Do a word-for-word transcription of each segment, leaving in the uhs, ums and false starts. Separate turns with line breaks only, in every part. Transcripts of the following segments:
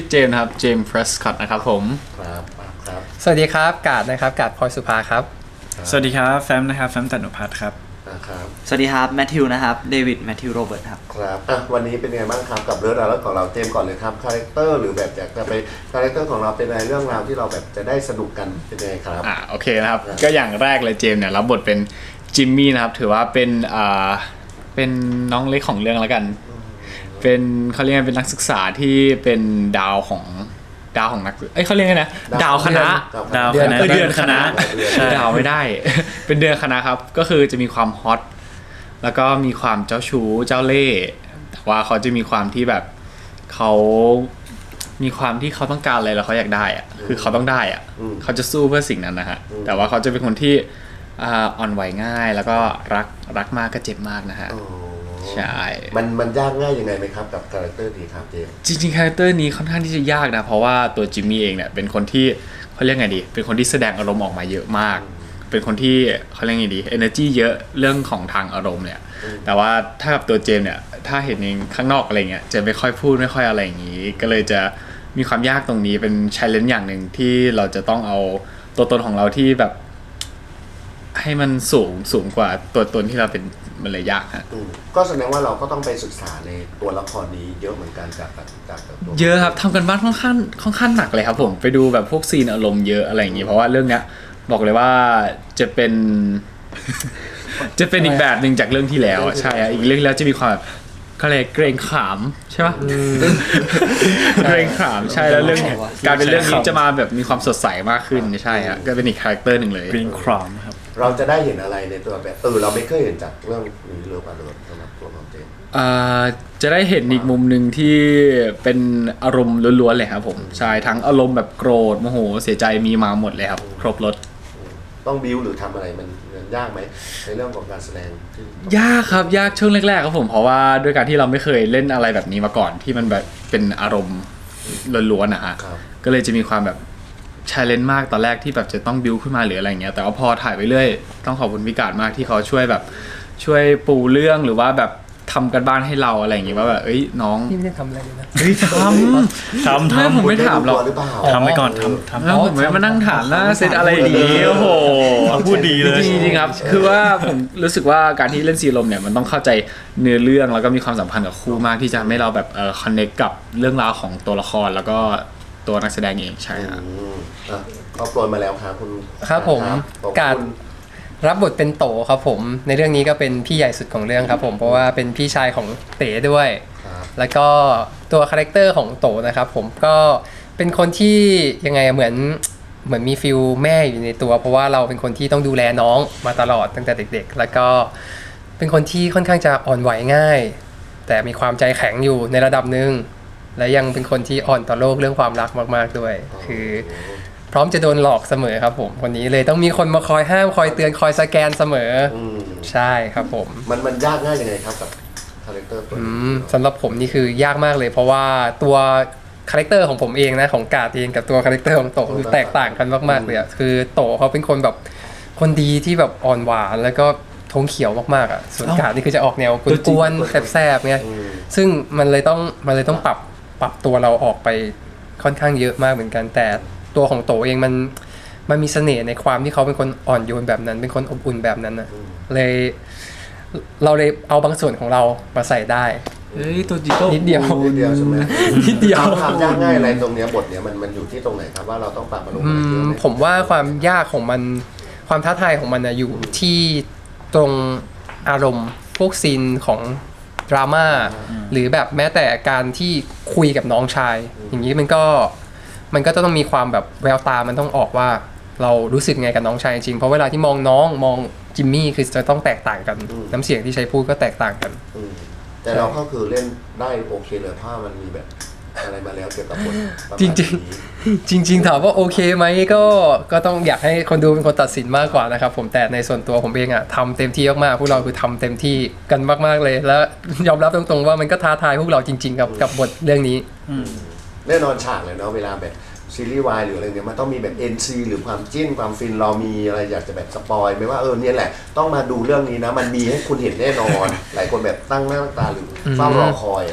เจมส์ครับเจมส์เพรสคอตนะครับผม
ครับครับ
สวัสดีครับกาดนะครับกาดพลอยสุภาครับ
สวัสดีครับแฟมนะครับแฟมตันุพัฒน์ครับ
นะครับ
สวัสดีครับแมทธิวนะครับเดวิดแมทธิวโรเบิร์ตครับ
ครับอ่ะวันนี้เป็นไงบ้างครับกับเรื่องราวของเราเจมส์ก่อนเลยครับคาแรคเตอร์หรือแบบอยากจะไปคาแรคเตอร์ของเราเป็นอะไรเรื่องราวที่เราแบบจะได้สนุกกันเป็นยังไงครับ
อ่าโอเคนะครับก็อย่างแรกเลยเจมส์เนี่ยรับบทเป็นจิมมี่นะครับถือว่าเป็นอ่าเป็นน้องเล็กของเรื่องแล้วกันเป็นเขาเรียกเป็นนักศึกษาที่เป็นดาวของดาวของนักเอ้ยเขาเรียกไงนะดาวคณะ
ดาว
เดือนเดือนคณะดาวไม่ได้ เป็นเดือนคณะครับก็คือจะมีความฮอตแล้วก็มีความเจ้าชู้เจ้าเล่ห์แต่ว่าเขาจะมีความที่แบบเขามีความที่เขาต้องการอะไรแล้วเขาอยากได้อะคือเขาต้องได้อะเขาจะสู้เพื่อสิ่งนั้นนะฮะแต่ว่าเขาจะเป็นคนที่อ่อนไหวง่ายแล้วก็รักรักมากก็เจ็บมากนะฮะใช่
มันมันยากง่ายยังไงไหมครับกับคาแรคเตอร์นี้ครับเจม
จริงๆคาแรคเตอร์นี้ค่อนข้างที่จะยากนะเพราะว่าตัวจิมมี่เองเนี่ยเป็นคนที่เขาเรียกไงดีเป็นคนที่แสดงอารมณ์ออกมาเยอะมากเป็นคนที่เขาเรียกไงดี energy เยอะเรื่องของทางอารมณ์เนี่ยแต่ว่าถ้ากับตัวเจมเนี่ยถ้าเห็นเองข้างนอกอะไรเงี้ยจะไม่ค่อยพูดไม่ค่อยอะไรอย่างนี้ก็เลยจะมีความยากตรงนี้เป็น challenge อย่างหนึ่งที่เราจะต้องเอาตัวตนของเราที่แบบให้มันสูงสูงกว่าตัวตนที่เราเป็นมันเลยยากฮะ
ก็แสดงว่าเราก็ต้องไปศึกษาในตัวละครนี้เยอะเหมือนกันจากจากตัว
เยอะครับทำกันบ้านค่อนข้างค่อนข้างหนักเลยครับผมไปดูแบบพวกซีนอารมณ์เยอะอะไรอย่างงี้เพราะว่าเรื่องเนี้ยบอกเลยว่าจะเป็นจะเป็นอีกแบบหนึ่งจากเรื่องที่แล้วใช่อีกเรื่องแล้วจะมีความแบบก็เลยเกรงขามใช่ปะเกรงขามใช่แล้วเรื่องการเป็นเรื่องนี้จะมาแบบมีความสดใสมากขึ้นใช่ฮะก็เป็นอีกคาแรคเตอร์หนึ่งเลย
เกรงขามครับ
เราจะได้เห็นอะไรในตัวแบบเออเราไม่เคยเห็นจากเรื่องนี้เลยป่ะเลยสำหรับตัวของเจม
จะได้เห็นอีกมุมหนึ่งที่เป็นอารมณ์ล้วนๆเลยครับผมใช่ทั้งอารมณ์แบบโกรธโมโหเสียใจมีมาหมดเลยครับครบรถ
ต้องบิวหรือทำอะไรมันยากไหมในเรื่องของการแสดงที่
ยากครับยากช่วงแรกๆครับผมเพราะว่าด้วยการที่เราไม่เคยเล่นอะไรแบบนี้มาก่อนที่มันแบบเป็นอารมณ์ล้วนๆนะฮะก็เลยจะมีความแบบchallenge มากตอนแรกที่แบบจะต้องบิวขึ้นมาหรืออะไรเงี้ยแต่ว่าพอถ่ายไปเรื่อยต้องขอบคุณพิการมากที่เขาช่วยแบบช่วยปูเรื่องหรือว่าแบบทำกันบ้านให้เราอะไรอย่างงี้ว่าแบบเอ้ยน้อง
นี่ไม่ได้ทำอะไรเลยนะ
เฮ้ยทำทำทำผมไม่ถามหรอก
ทำไปก่อนทำทำ
แล้วผมไม่มานั่งถามนะเซตอะไรดีโอ้โห
พูดดีเลย
จริงๆครับคือว่าผมรู้สึกว่าการที่เล่นซีลมเนี่ยมันต้องเข้าใจเนื้อเรื่องแล้วก็มีความสัมพันธ์กับคู่มากที่จะให้เราแบบเอ่อคอนเนคกับเรื่องราวของตัวละครแล้วก็ตัวนักแสดงเองใช่ครับ
ก็โปรยมาแล้วครับคุณ
ครับผมการรับบทเป็นโตครับผมในเรื่องนี้ก็เป็นพี่ใหญ่สุดของเรื่องครับผมเพราะว่าเป็นพี่ชายของเต๋ด้วยแล้วก็ตัวคาแรคเตอร์ของโตนะครับผมก็เป็นคนที่ยังไงเหมือนเหมือนมีฟิลแม่อยู่ในตัวเพราะว่าเราเป็นคนที่ต้องดูแลน้องมาตลอดตั้งแต่เด็กๆแล้วก็เป็นคนที่ค่อนข้างจะอ่อนไหวง่ายแต่มีความใจแข็งอยู่ในระดับหนึ่งและยังเป็นคนที่อ่อนต่อโลกเรื่องความรักมากๆด้วยคือพร้อมจะโดนหลอกเสมอครับผมคนนี้เลยต้องมีคนมาคอยห้ามคอยเตือนคอยสแกนเสมอใช่ครับผม
มันมันยากง่ายยังไงครับกับคาแรคเตอร์ตัวนี้
สำหรับผมนี่คือยากมากเลยเพราะว่าตัวคาแรคเตอร์ของผมเองนะของกาดเองกับตัวคาแรคเตอร์ของโตคือแตกต่างกันมากๆเลยคือโตเขาเป็นคนแบบคนดีที่แบบอ่อนหวานแล้วก็ทงเขียวมากๆอ่ะส่วนกาดนี่คือจะออกแนวกวนๆแสบๆไงซึ่งมันเลยต้องมันเลยต้องปรับปรับตัวเราออกไปค่อนข้างเยอะมากเหมือนกันแต่ตัวของโตเองมันมันมีเสน่ห์ในความที่เขาเป็นคนอ่อนโยนแบบนั้นเป็นคนอบอุ่นแบบนั้นนะเลยเราเลยเอาบางส่วนของเรามาใส่ได้
เฮ้ยตัวจิโก้
นิดเดียว
นิดเดียวใช่ไหม
นิดเดียว
ทำยากง่ายอะไรตรงนี้บทเนี้ยมันมันอยู่ที่ตรงไหนครับว่าเราต้องปรับมาลงอะไรเยอะไหม
ผมว่าความยากของมันความท้าทายของมันนะอยู่ที่ตรงอารมณ์พวกซีนของดราม่าหรือแบบแม้แต่การที่คุยกับน้องชายอย่างนี้มันก็มันก็ต้องมีความแบบแววตามันต้องออกว่าเรารู้สึกไงกับน้องชายจริงเพราะเวลาที่มองน้องมองจิมมี่คือจะต้องแตกต่างกันน้ำเสียงที่ใช้พูดก็แตกต่างกัน
แต่เราก็คือเล่นได้โอเคเลยถ้ามันมีแบบอะไรมาแล้วเกี่ยวกับบท
จริงจริงจริงๆถามว่าโอเคไหมก็ก็ต้องอยากให้คนดูเป็นคนตัดสินมากกว่านะครับผมแต่ในส่วนตัวผมเองอะทำเต็มที่มากๆพวกเราคือทำเต็มที่กันมากๆเลยแล้วยอมรับตรงๆว่ามันก็ท้าทายพวกเราจริงๆกับกับบทเรื่องนี้
แน่นอนฉากเลยเนาะเวลาแบบซีรีส์วายหรืออะไรเนี้ยมันต้องมีแบบ เอ็น ซี หรือความจิ้นความฟินเรามีอะไรอยากจะแบบสปอยไหมว่าเออเนี่ยแหละต้องมาดูเรื่องนี้นะมันมีให้คุณเห็นแน่นอนหลายคนแบบตั้งหน้าตั้งตาหรือเฝ้ารอคอยอ่ะลูก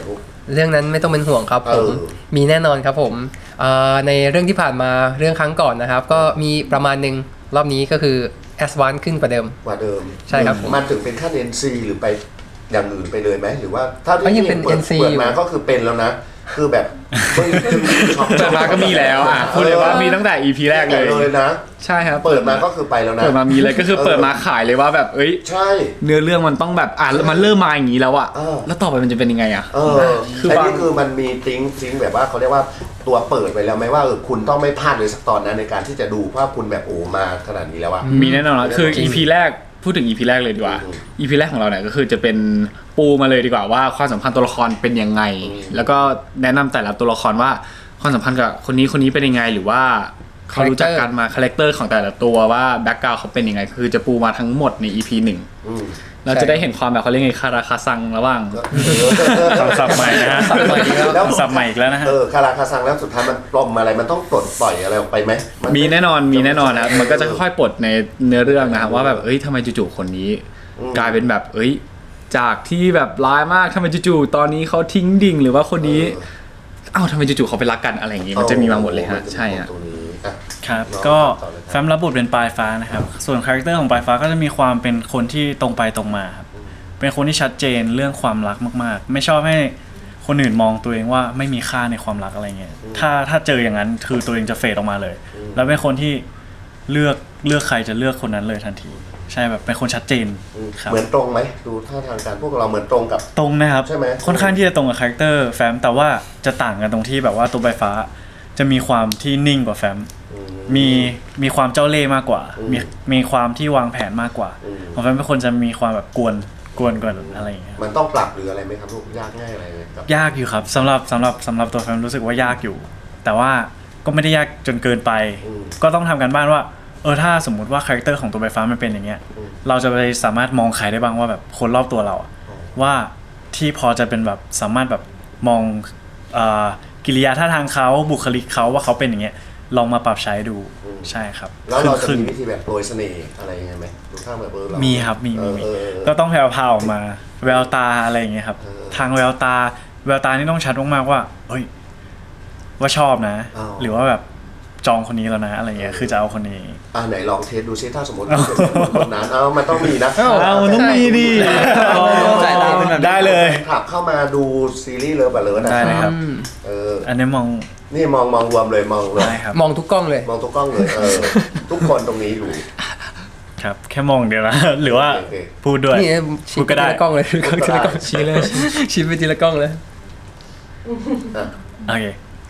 เรื่องนั้นไม่ต้องเป็นห่วงครับผม
เออ
มีแน่นอนครับผมเอ่อในเรื่องที่ผ่านมาเรื่องครั้งก่อนนะครับ ก็มีประมาณหนึ่งรอบนี้ก็คือแอสวานขึ้นกว่าเดิม
กว่าเดิม
ใช่ครับผม
มันถึงเป็นขั้น เอ็น ซี หรือไปอย่างอื่นไปเลยไหมหรือว่าถ้า
ก็
ที่
ยังเป็น
เปิด
เอ็นซี
เปิด
อยู่
มาก็คือเป็นแล้วนะ คือแบบเฮ้ยช็อป
เปิดมาก็มีแล้วอ่ะพูดเลยว่ามีตั้งแต่ อี พี แรกเลย
เลยนะ
ใช่ครับ
เปิดมาก็คือไปแล้วนะ
เปิดมามีเลยก็คือเปิดมาขายเลยว่าแบบเอ้ย
ใช่
เนื้อเรื่องมันต้องแบบอ่ะมันเริ่มมาอย่างนี้แล้วอ่ะ
เออ
แล้วต่อไปมันจะเป็นยังไงอ่ะ
เออ
คือ
แต่
บาง
นี่คือมันมีทิ้งทิ้งแบบว่าเขาเรียกว่าตัวเปิดไปแล้วไหมว่าเออคุณต้องไม่พลาดเลยสักตอนนั้นในการที่จะดูเพราะคุณแบบโอ้มาขนาดนี้แล้วอะ
มีแน่นอนนะคือ
จริง
อี พี แรกพูดถึง อี พี แรกเลยดีกว่า
อืม
อี พี แรกของเราเนี่ยก็คือจะเป็นปูมาเลยดีกว่าว่าความสัมพันธ์ตัวละครเป็นยังไง
อืม
แล้วก็แนะนำแต่ละตัวละครว่าความสัมพันธ์กับคนนี้คนนี้เป็นยังไงหรือว่าเขารู้จักกันมาคาแรคเตอร์ของแต่ละตัวว่าแบ็กกราวด์เขาเป็นยังไง คือจะปูมาทั้งหมดใน อี พี หนึ่ง
อืม
เราจะได้เห็นความแบบเขาเรียกไงคาราคาซังระหว่าง
คำศัพท์ใหม่นะฮะ
สับใหม่อีกแล้ว
แล้ว
คำศัพท์ใหม่อีกแล้วนะฮะ
เออคาราคาซังแล้วสุดท้ายมันปลอมอะไรมันต้องปลดปล่อยอะไรออกไปไหมน
มีแน่นอนมีแน่นอนนะครับมันก็จะค่อยๆปลดในเนื้อเรื่องนะครับว่าแบบเอ้ยทำไมจู่ๆคนนี้
อืม
กลายเป็นแบบเอ้ยจากที่แบบร้ายมากทำไมจู่ๆตอนนี้เขาทิ้งดิ่งหรือว่าคนนี้
เออ
เอ้าทำไมจู่ๆเขาไปรักกันอะไรอย่างงี้มันจะมีมาหมดเลยฮะใช่ฮะ
ตรงนี้อ่ะ
ครับ
น้อง
ก็
ต่อเลยครับ
แฟมรับบทเป็นปลายฟ้านะครับ ส่วนคาแรคเตอร์ของปลายฟ้าก็จะมีความเป็นคนที่ตรงไปตรงมาครับ เป็นคนที่ชัดเจนเรื่องความรักมากๆ ไม่ชอบให้คนอื่นมองตัวเองว่าไม่มีค่าในความรักอะไรเงี้ย ถ้าถ้าเจออย่างนั้นคือตัวเองจะเฟดออกมาเลย แล้วเป็นคนที่เลือกเลือกใครจะเลือกคนนั้นเลยทันที ใช่แบบเป็นคนชัดเจน
อืม
ครับ
เหมือนตรงไหมดูท่าทางการพวกเราเหมือนตรงกับ
ตรงนะครับ
ใช่ไหม
ค่อนข้างที่จะตรงกับคาแรคเตอร์แฟมแต่ว่าจะต่างกันตรงที่แบบว่าตัวใบฟ้าจะมีความที่นิ่งกว่าแฟม
อื
มีมีความเจ้าเล่ห์มากกว่า
อืม
มีมีความที่วางแผนมากกว่า
อืม
ของแฟมเป็นคนจะมีความแบบกวนกวนกวนอะไรอย่างเงี้ย
มันต้องปรับหรืออะไรไหมครับลูกยากง่ายอะไรไหมครับ
ยากอยู่ครับสำหรับสำหรับสำหรับตัวแฟมรู้สึกว่ายากอยู่ แต่ว่าก็ไม่ได้ยากจนเกินไป
อืม
ก็ต้องทำกันบ้านว่าเออถ้าสมมุติว่าคาแรคเตอร์ของตัวใบฟ้ามันเป็นอย่างเงี้ย
อืม
เราจะไปสามารถมองใครได้บ้างว่าแบบคนรอบตัวเราอะ
อ๋อ
ว่าที่พอจะเป็นแบบสามารถแบบมองเอ่อกิริยาท่าทางเขาบุคลิกเขาว่าเขาเป็นอย่างเงี้ยลองมาปรับใช้ดูใช่ครับ
แล้วเราจะ
ครึ่ง
มีวิธีแบบโปรยเสน่ห์อะไรยังไงไหมดูท่าแบบเออเรา
มีครับมีมีมี
เออเออเออ
ก็ต้องแผ่วพราวออกมาแววตาอะไรอย่างเงี้ยครับ
เออ
ทางแววตาแววตานี่ต้องชัดมากๆว่าเฮ้ยว่าชอบนะ
อ๋อ
หรือว่าแบบจองคนนี้แล้วนะอะไรเงี้ยคือจะเอาคนนี้
อ่าไหนลองเทสดูซิถ้าสมมติเป็นคนนั้นเอามันต้องมีนะ
เอามันต้องมีดิ
สายตาเป็นแบบ
ได้เลย
ขับเข้ามาดูซีรีส์เลิฟอะเลิฟนะ
ได้เลยครับ
เออ
อันนี้มอง
นี่มองมองรวมเลยมองรวม
ได้ครับ
มองทุกกล้องเลย
มองทุกกล้องเลยเออทุกคนตรงนี้อยู่
ครับ แค่มองเดียวนะ หรือว่า
โอเค
พูดด้วย
นี่
พู
ชี้
ด
ไป
ก็ได้
ทีละกล้องเลยทีละกล้อง
ชี้เลย
ชี้ไปทีละกล้องเลย
อ่ะ
โอเค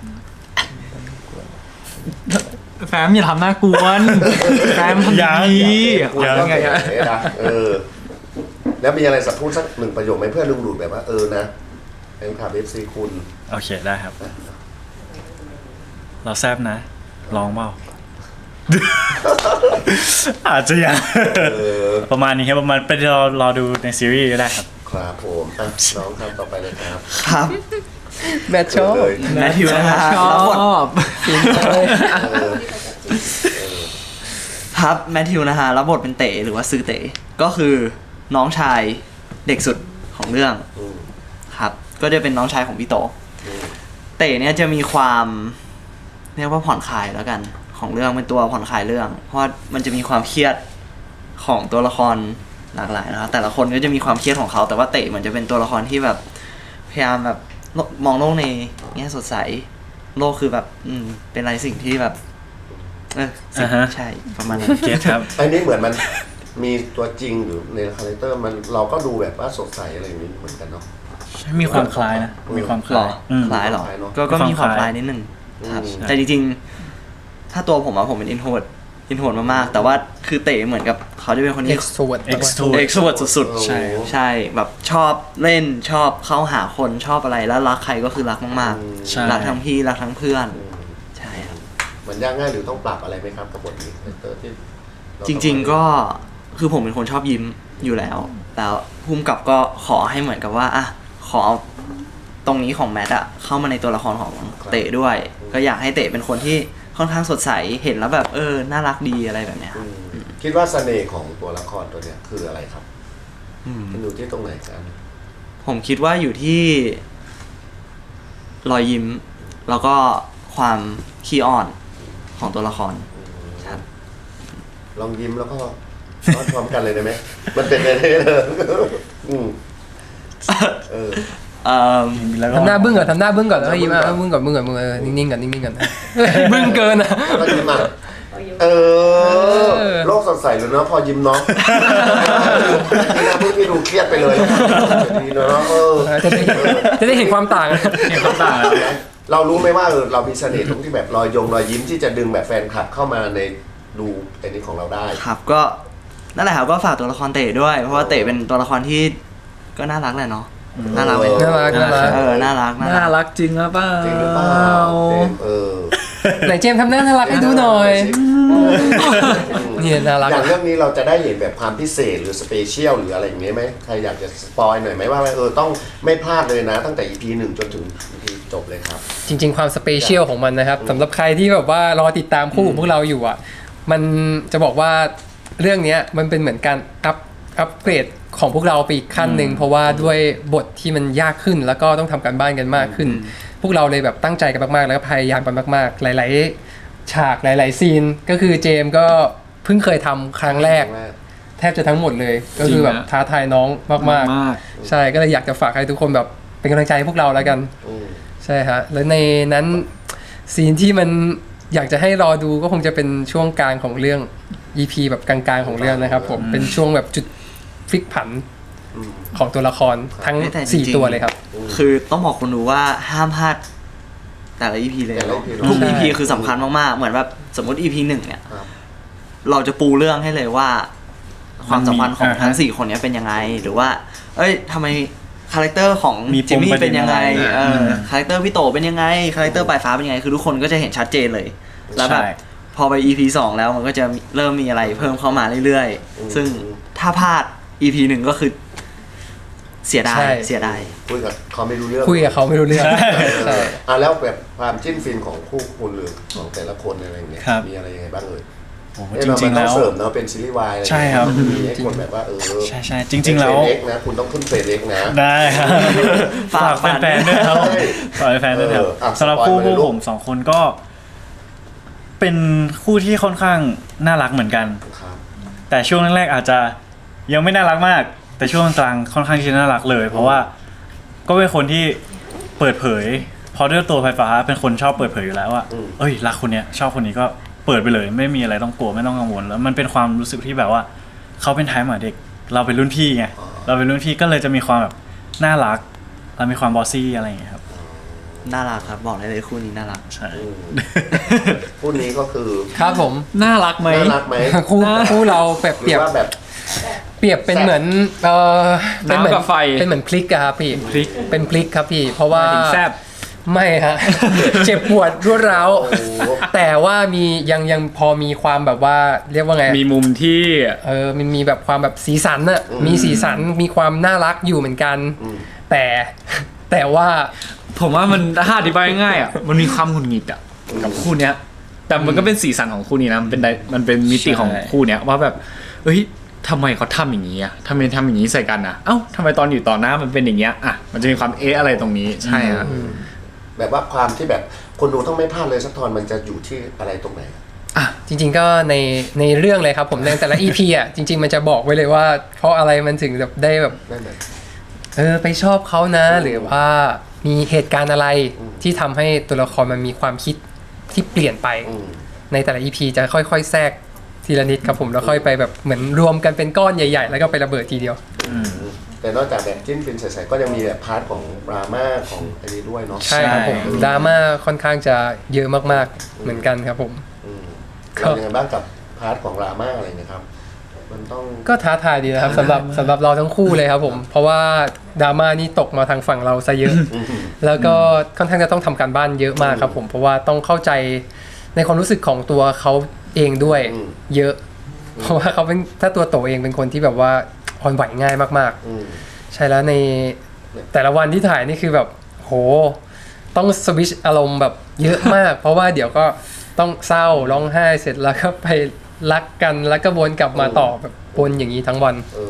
แฟมอย่าทำหน้ากวนแฟมทำ
ยัง
ดี
คุณ
ยั
ต้อง
งไง
ไง
อะ
นะเออ แล้วมีอะไรสักพูดสักหนึ่งประโยคไหมเพื่อดึงดูดแบบว่าเออนะเป็นขับเอฟซีคุณ
โอเคได้ครับ เราแซบนะ ลองเปล่า อาจจะยัง
เออ
ประมาณนี้ครับประมาณไปรอรอดูในซีรีส์ก็ได้ครับ
ครับผมอ่ะน้องครับต่อไปเลยครับ
ครับ
แมทชอบ
เลย
แมทธิวนะฮะ
ช
รับบท
อบ
เออ
ครับแมทธิวนะฮะรับบทเป็นเต๋หรือว่าซื้อเต๋ก็คือน้องชายเด็กสุดของเรื่อง
อืม
ครับ ก็จะเป็นน้องชายของพี่โต
อืม
เต๋เนี่ยจะมีความเรียกว่าผ่อนคลายแล้วกันของเรื่องเป็นตัวผ่อนคลายเรื่อง เพราะว่ามันจะมีความเครียดของตัวละครหลากหลายนะครับแต่ละคนก็จะมีความเครียดของเขา แต่ว่าเต๋เหมือนจะเป็นตัวละครที่แบบพยายามแบบมองโลกในแง่สดใสโลกคือแบบ อืมเป็นอะไรสิ่งที่แบบเออสิ่ง
อ่าฮะ
ใช่ประมาณนั้น
เก็ตครับ
อันนี้เหมือนมันมีตัวจริงอยู่ในคาแรคเตอร์มันเราก็ดูแบบว่าสดใสอะไรอย่างนี้เหมือนกันเนาะ
มีความคล้ายนะ มีความค
หร
ล้า
อย
อืม
คล้ายหรอ
คล้ายเนอะ
ก็ก็มีความ
มีความ
ค
ค
ล้า
ล้าย ย
นิดนึงครับ
อืม
แต่จริงๆ ถ้าตัวผมอะผมเป็นอินโทรดอินโทรดมากๆ แต่ว่าคือเต๋เหมือนกับเขาจะเป็นคน
เอ็
ที่
กซ์โทรเวิร์ด
Extrovert
เอ็กซ์โทรดสุด
ใช่
ๆ ใช่แบบชอบเล่นชอบเข้าหาคนชอบอะไรแล้วรักใครก็คือรักมาก
ใช่
ๆ รักทั้งพี่รักทั้งเพื่อน
อืม
ใช่ครับ
มันยากง่ายหรือต้องปรับอะไรไหมครับกับบทนี้คาแรคเตอร์ที่เา
จริง ๆก็คือผมเป็นคนชอบยิ้มอยู่แล้ว แล้วภูมิกับก็ขอให้เหมือนกับว่าอ่ะขอเอาตรงนี้ของแมทอะเข้ามาในตัวละครของเต๋ด้วย ก็อยากให้เต๋เป็นคนที่ค่อนข้างสดใสเห็นแล้วแบบเออน่ารักดีอะไรแบบเนี้ยค
อื
รับ
มคิดว่าเสน่ห์ของตัวละครตัวเนี้ยคืออะไรครับ
อืม
มันอยู่ที่ตรงไหนกัน
ผมคิดว่าอยู่ที่รอยยิ้ม แล้วก็ความขี้อ่อนของตัวละครครับ
ลองยิ้มแล้วก็ร้อนพร้อมกันเลยได้ไหมมันเป็นอะไรเลยอืมเออ
เอ่อ
แล้วก็
ทำหน้าบึ้งก่อนทำหน้าบึ้งก่อนแล้วก็ยิ้มอ่ะบึ้งก่อนบึ้งก่อนบึ้งก่อนเออนิ่งๆก่อนนิ่งๆก่อนบึ้งเกินอ่ะ
แล้วยิ้มอ่ะเออโลกสดใสเลยเนาะพอยิ้มเนาะนี่นะเพิ่งที่ดูเครียดไปเลยดีเนาะเออ
จะได้จะได้เห็นความต่าง
เห็นความต่างแล้ว
เรารู้ไหมว่าเออเรามีเสน่ห์ตรงที่แบบรอยยงรอยยิ้มที่จะดึงแบบแฟนคลับเข้ามาในดูไอ้นี้ของเราได้
ครับก็นั่นแหละครับก็ฝากตัวละครเต๋ด้วยเพราะว่าเต๋เป็นตัวละครที่ก็น่ารักแหละเนาะน่ารักไหม
น่ารักน่ารัก
เออน่ารัก
น่ารักจริงหรือเปล่า
จริงหรือเปล่าเจมส์เออ
ไหนเจมส์ทำหน้าน่ารักให้ดูหน่อยเนี่ยน่ารัก
อย่างเรื่องนี้เราจะได้เห็นแบบความพิเศษหรือสเปเชียลหรืออะไรอย่างเงี้ยไหมใครอยากจะสปอยหน่อยไหมว่าเออต้องไม่พลาดเลยนะ ตั้งแต่ อี พี หนึ่งจนถึง อี พี จบเลยครับ
จริงๆความสเปเชียลของมันนะครับสำหรับใครที่แบบว่ารอติดตามคู่ของพวกเราอยู่อ่ะมันจะบอกว่าเรื่องเนี้ยมันเป็นเหมือนการอัพอัพเกรดของพวกเราไปอีกขั้นหนึ่งเพราะว่าด้วยบทที่มันยากขึ้นแล้วก็ต้องทำการบ้านกันมากขึ้น พวกเราเลยแบบตั้งใจกันมากๆแล้วก็พยายามกันมากๆ หลายๆฉากหลายๆซีนก็คือเจมส์ก็เพิ่งเคยทำครั้งแรก แทบจะทั้งหมดเลยก็คือแบบท้าทายน้องมาก
มาก
ๆใช่ก็เลยอยากจะฝากให้ทุกคนแบบเป็นกำลังใจให้พวกเราแล้วกัน
อืม
ใช่ฮะแล้วในนั้นซีนที่มันอยากจะให้รอดูก็คงจะเป็นช่วงกลางของเรื่อง อี พี แบบกลางๆของเรื่องนะครับผมเป็นช่วงแบบจุดพลิกผัน
อืม
ของตัวละครทั้ง
แต่จริงๆ
สี่ตัวเลยครับ
คือต้องบอกคนดูว่าห้ามพลาดแต่ละ อี พี เลย
แต่ละ อี พี
ทุก
ใช่
อี พี คือสำคัญมากๆเหมือนแบบสมมติ อี พี หนึ่งเนี่ย
ครับ
เราจะปูเรื่องให้เลยว่า ความสัมพันธ์ของ
อ่าฮะ
ทั้งสี่คนเนี้ยเป็นยังไง หรือว่า เอ้ยทำไมคาแรคเตอร์ของ
มีปม
จิมมี่
ประเด็น
เป็นยังไง
อะไร
เออ
อืม
คาแรคเตอร์พี่โตเป็นยังไงคาแรคเตอร์ปลายฟ้าเป็นยังไงคือทุกคนก็จะเห็นชัดเจนเลย แล้วแบบ
ใช่
พอไป อี พี สองแล้วมันก็จะเริ่มมีอะไรเพิ่มเข้ามาเรื่อย
อืม
ๆ ซึ่งถ้าพลาด อี พี หนึ่งก็คือเสียดาย
ใช่
เสียดาย
คุยกับเขาไม่รู้เรื่อง
คุยกับเขาไม่รู้เรื่อง
เอ
ใช่
ออ่ะแล้วแบบความจิ้นฟินของคู่คุณหรือของแต่ละคนอะไรอย่างเงี้ย
ครับ
มีอะไรยังไงบ้างเอ่ย
โอ้โห
เอ้ย
จ
เรา
ริ
มั
ง
น
ๆ
ต้อ
แล้
ง
ว
เสริมเนาะเป็นซีรีส์วาย
ใช่ครับ
มีให้คนแบบว่าเออ
ใช่ใช่จริง ๆ แล้ว
เอ็กนะคุณต้องขึ้นเฟรนเอ็กนะ
ได้ครับ
ฝาก
ฝากแฟนๆด้วยครับ
ใช่
ฝากแฟนๆด้วยครับ
เอออ่ะ
สำหรับ
สปอย
คู่
ล์มาเลย
พวก
ลูก
ผมสองคนก็ เป็นคู่ที่ค่อนข้างน่ารักเหมือนกัน
ครับ
แต่ช่วงแรกๆอาจจะยังไม่น่ารักมาก แต่ช่วงกลางค่อนข้างที่จะน่ารักเลย เพราะว่าก็เป็นคนที่เปิดเผยเพราะด้วยตัวไฟฟ้าเป็นคนชอบเปิดเผยอยู่แล้วว่า
อืม
เอ้ยรักคนเนี้ยชอบคนนี้ก็เปิดไปเลย ไม่มีอะไรต้องกลัวไม่ต้องกังวลแล้วมันเป็นความรู้สึกที่แบบว่าเขาเป็นท้ายหมาเด็ก เราเป็นรุ่นพี่ไงเราเป็นรุ่นพี่ก็เลยจะมีความแบบน่ารักเรามีความบอสซี่อะไรอย่างเงี้ยครับ
น่ารักครับบอกได้เลยคู่นี้น่ารัก
ใช่
อืมคู่นี้ก็คือ
ครับผม
น่ารักไหม
น่ารักไหม
คู่คู่เราแบบ
ห
เป
รื
รีย
อบ ว่าแบบ
เปรียบเป็นเหมือนเออเป็นเหมือน
น้ำกับไฟ
เป็นเหมือนพลิกอะครับพี่
พลิก
เป็นพลิกครับพี่ เพราะว่า
ถึงแซบ
ไม่ฮะ เจ็บปวดรวดร้าว
โอ้โห
แต่ว่ามียังยังพอมีความแบบว่าเรียกว่าไง
มีมุมที่
เออมันมีแบบความแบบสีสันอะ
อืม
มีสีสันมีความน่ารักอยู่เหมือนกัน
อืม
แต่ แต่ว่า
ผมว่ามันถ้าอธิบายง่ายๆอ่ะมันมีความหงุดหงิดอ่ะกับคู่เนี้ย แต่มันก็เป็นสีสันของคู่นี้นะมันเป็นไดมันเป็นมิติของคู่เนี้ยว่าแบบเอ้ยทำไมเขาทำอย่างนี้อ่ะทำไมทำอย่างนี้ใส่กันอ่ะเอ้าทำไมตอนอยู่ต่อหน้ามันเป็นอย่างเงี้ยอ่ะมันจะมีความเอะอะไรตรงนี้ใช่ฮะ
แบบว่าความที่แบบคนดูต้องไม่พลาดเลยสักตอนมันจะอยู่ที่อะไรตรงไหน
จริงๆก็ในในเรื่องเลยครับผมในแต่ละ อี พี อ่ะจริง ๆ มันจะบอกไว้เลยว่า เพราะอะไรมันถึงแบบได้แบบ
นั่นแหละ
เออไปชอบเขานะ หรือว่ามีเหตุการณ์อะไรที่ทำให้ตัวละครมันมีความคิดที่เปลี่ยนไป
อืม
ในแต่ละ อี พี จะค่อยๆแทรกทีละนิดครับผมแล้วค่อยไปแบบเหมือนรวมกันเป็นก้อนใหญ่ ๆ แล้วก็ไประเบิดทีเดียว
แต่นอกจากแบบจิ้นฟินใสๆก็ยังมีแบบพาร์ทของดราม่าของอันนี้ด้วยเนาะ
ใช่ครับผมดราม่าค่อนข้างจะเยอะมากๆเหมือนกันครับผม
อืม
ครับ
เรายังไงบ้างกับพาร์ทของดราม่าอะไรเนะครับ มันต้อง
ก็ท้าทายดีนะครับสำหรับสำหรับเราทั้งคู่เลยครับผม เพราะว่าดราม่านี่ตกมาทางฝั่งเราซะเยอะ
อืม
แล้วก็ค่อนข้างจะต้องทำการบ้านเยอะมากครับผมเพราะว่าต้องเข้าใจในความรู้สึกของตัวเขาเองด้วย
อืม
เยอะ เพราะว่าเขาเป็นถ้าตัวโตเองเป็นคนที่แบบว่าอ่อนไหวง่ายมาก
อืม
ๆ ใช่แล้วในแต่ละวันที่ถ่ายนี่คือแบบโหต้องสวิตชอารมณ์แบบเยอะมาก เพราะว่าเดี๋ยวก็ต้องเศร้าร้องไห้เสร็จแล้วก็ไปรักกันแล้วก็วนกลับมาต่อแบบวนอย่างนี้ทั้งวัน
เออ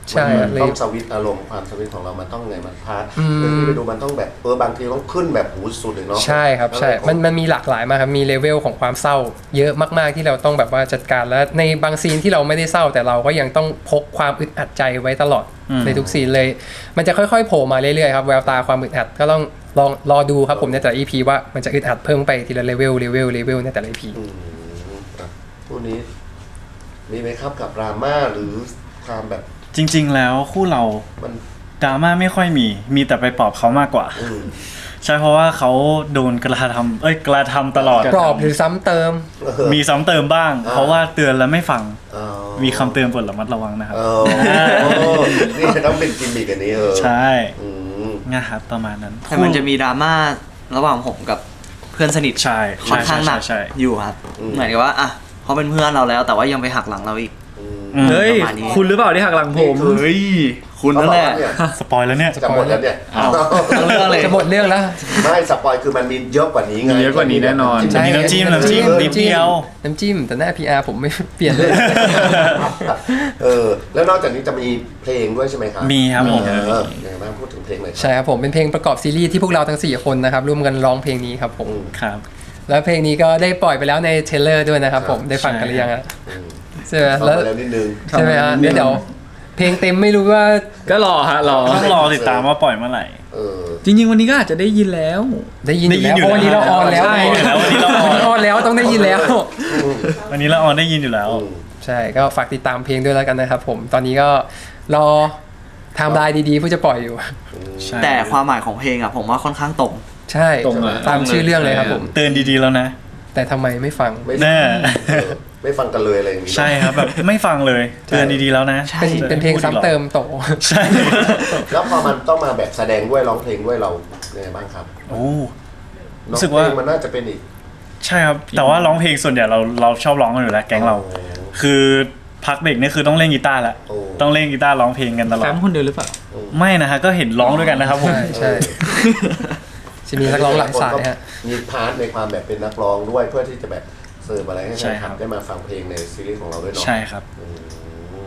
ใช่
มัน
เลย
ต้องสวิตช์อารมณ์ความสวิตช์ของเรามันต้องไงมันพาร์ท
อืม
เรื่องที่ไปดูมันต้องแบบเออบางทีต้องขึ้นแบบหูสุดเลยเนาะ
ใช่ครับใช่ มันมันมีหลากหลายมากครับ มีเลเวลของความเศร้า เยอะมากๆที่เราต้องแบบว่าจัดการแล้วในบางซีนที่เราไม่ได้เศร้า แต่เราก็ยังต้องพกความอึดอัดใจไว้ตลอด
อืม
ในทุกซีนเลย มันจะค่อยๆโผล่มาเรื่อยๆครับแววตาความอึดอัดก็ต้องลองรอดูครับผมในแต่ละ อี พี ว่ามันจะอึดอัดเพิ่มไปทีละเลเวลเลเวลเลเวลในแต่ละ อี พี
อืมอ่ะคู่นี้มีไหมครับกับดราม่าหรือความแบบ
จริง ๆ แล้วคู่เรา
มัน
ดราม่าไม่ค่อยมี มีแต่ไปปลอบเขามากกว่า
อืม
ใช่เพราะว่าเขาโดนกระทำเอ้ยกระทำตลอด
กรอบหรือซ้ำเติม
มีซ้ำเติมบ้าง
อ่า
เพราะว่าเตือนแล้วไม่ฟัง
อ๋อ
มีคำเตือนบทระมัดระวังนะครับ
เออโอ้นี่ต้องเป็นกิมมิกอันนี้เออ
ใช่
อืม
นะครับประมาณนั้น
แต่มันจะมีดราม่าระหว่างผมกับเพื่อนสนิท
ใช่
ค่อนข้างหนัก
ใช่ใช่ใช่
อยู่ครับ
อืม
เหมือนกับว่าอ่ะเขาเป็นเพื่อนเราแล้ว แต่ว่ายังไปหักหลังเราอีก
อืม
อืม
เฮ้ย
ประมาณนี้
คุณหรือเปล่าที่หักหลังผม
เฮ้ย คุณนั่นแหละ
เขาบอกว่าเนี่ย
สปอยแล้วเนี่ย
จะหมดแล้วเนี่ย
อ้าว
เอาเรื่องเลย
จะหมดเรื่องแล้ว
ไม่สปอยคือมันมีเยอะกว่านี้ไง
มีเยอะกว่านี้แน่นอน
ใช่ มีน้ำจิ้มน้ำจิ้มนิดเดียว
น้ำจิ้มแต่หน้า พี อาร์ ผมไม่ เปลี่ยนเลย
เออแล้วนอกจากนี้จะมีเพลงด้วยใช่ไหมครับ
มีครับผม
เออยังไงบ้างพูดถึงเพลงหน่อยครับ
ใช่ครับผมเป็นเพลงประกอบซีรีส์ที่พวกเราทั้งสี่คนนะครับร่วมกันร้องเพลงนี้ครับผม
อืม
ครับ
แล้วเพลงนี้ก็ได้ปล่อยไปแล้วในเทรลเลอร์ด้วยนะครับผม
ครับ
ได้ฟังกันหรือยังอะ
อืม
ใช่ไหม
เข้า
แล้ว
มาแล้วนิดนึง
ใช่ไหมฮะ
ทำไม
เดี๋ยวเดี๋ยวเพลงเต็มไม่รู้ว่า
ก็รอฮะรอ
ต้องรอติดตามว่าปล่อยเมื่อไหร่
เออ
จริง ๆ วันนี้ก็อาจจะได้ยินแล้ว
ได้ยินอยู่
ได้ยิน
แล้ว
อยู่
เพราะวันนี้
แล้ว
เราออนแล้ว
ใช่
แล้ววันนี้เราออน
ออนแล้วต้องได้ยินแล้ว
วันนี้เราออนได้ยินอยู่แล้ว
อืม
ใช่ก็ฝากติดตามเพลงด้วยแล้วกันนะครับผมตอนนี้ก็รอไทม์ไลน์ดีๆเพื่อจะปล่อยอยู่
ใช่
แต่ความหมายของเพลงอ่ะผมว่าค่อนข้างตรง
ใช่
ตรงอะ
ตามชื่อเรื่องเลยครับผม
เตือนดีๆแล้วนะ
แต่ทำไมไม่ฟัง
ไม่
แน่
เออไม่ฟังกันเลยอะไรอย่างนี้
ใช่ครับแบบไม่ฟังเลย เตือนดีๆแล้วนะ
ใช่
เป็นเป็นเพลงซ้ำเติมโต
ใช่
แล้วพอมันต้องมาแบบแสดงด้วยร้องเพลงด้วยเราเนี่ยงไงบ้างครับ
โอ้ รู้
เนาะ
สึกว่า
เพลงมันน่าจะเป็นอีก
ใช่ครับ แต่ว่าร้องเพลงส่วนใหญ่เราเราชอบร้องกันอยู่แล้วแก๊งเรา
โอ้
คือพักเบรกนี่คือต้องเล่นกีตาร์ละ
โอ้
ต้องเล่นกีตาร์ร้องเพลงกันตลอ
แฟ
ด
มคนเดียวหรือเปล่า
ไม่นะฮะก็เห็นร้องด้วยกันนะครับผม
ใช่ใช่จะมีนักร้องหลังสายฮะ
มีพาร์ทในความแบบเป็นนักร้องด้วยเพื่อที่จะแบบเสิร์ฟอะไรให้
ใช่
แฟน
ค
ค
รั
ลับบ ได้มาฟังเพลงในซีรีส์ของเราด้วยเนาะ
ใช่ครับ
อืม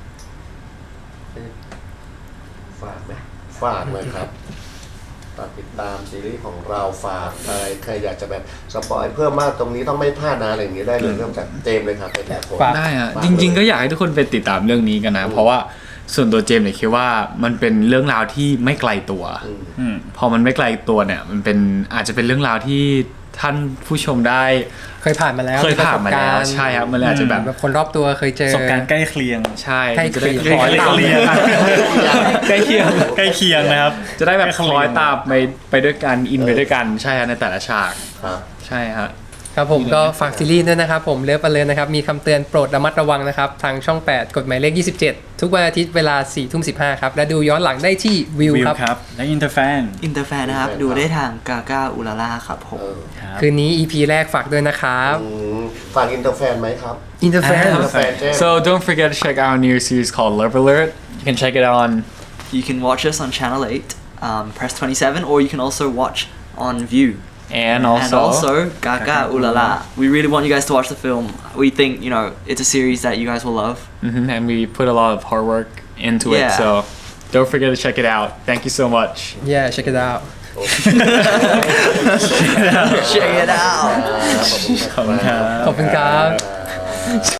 ฝากไหมฝากเลยครับฝากติดตามซีรีส์ของเราฝากอะไรใครอยากจะแบบสปอยเพิ่มมากตรงนี้ต้องไม่พลาดนะอะไรอย่างนี้ได้เลยเริ่มจากเจมส์เลยครับเป็นแบบคน
ฝาก
ได้ฮะ
ฝาก
จริง ๆ ก็
เลย
อยากให้ทุกคนไปติดตามเรื่องนี้กันนะ เพราะว่าส่วนตัวเจมส์เนี่ยคิดว่ามันเป็นเรื่องราวที่ไม่ไกลตัว
อืม
อืม
พอมันไม่ไกลตัวเนี่ย มันเป็นอาจจะเป็นเรื่องราวที่ท่านผู้ชมได้
เคยผ่านมาแล้ว
เคยผ่านมาแล้วใช่ครับมันเลยอาจจะแบบ
แบบคนรอบตัวเคยเจ
ป
อ
ระสบการณ์ใกล้เคียง
ใช่
ใกล้
จะได้
เคียง
คล้อยตาม
ใกล้เคียง
ใกล้เคียง
ใกล้เคียงนะครับ
จะได้แบบ
ใก
ค
เคี
ล้อย
ง
ตามไปไปด้วยกันอินไปด้วยกันใช่ฮะในแต่ละฉาก
ครับ
ใช่ฮะ
ครับผมก็ฝากซีรีส์ด้วยนะครับผมเลิฟไปเลยนะครับมีคำเตือนโปรดระมัดระวังนะครับทางช่อง แปด กฎหมายเลข ยี่สิบเจ็ด ทุกวันอาทิตย์เวลา สี่ทุ่มสิบห้า ครับและดูย้อนหลังได้ที่วิว
วิว
ครับ
ครับ และอินเตอร์แฟน
อินเตอร์แฟนนะครับ ดูได้ทางกาก้าอุลาล่าครับผม
เออ
ครับ
คืนนี้ อี พี แรกฝากด้วยนะครับ
อืมฝากอินเตอร์แฟนไหมครับ
อินเตอร์แฟน
อ่า
อินเตอร์แฟนเจมส์
so don't forget to check out our new series called Love Alert you can check it on
You can watch us on channel eight um, press twenty-seven or you can also watch on View
and also,
and also Gaga Ulala. We really want you guys to watch the film. We think, you know, it's a series that you guys will love.
Mhm, and we put a lot of hard work into it
Yeah.
so don't forget to check it out thank you so much
yeah check it out
Check it out.
ขอบคุณครับ
ขอบคุณครับ
ขอบคุณครับ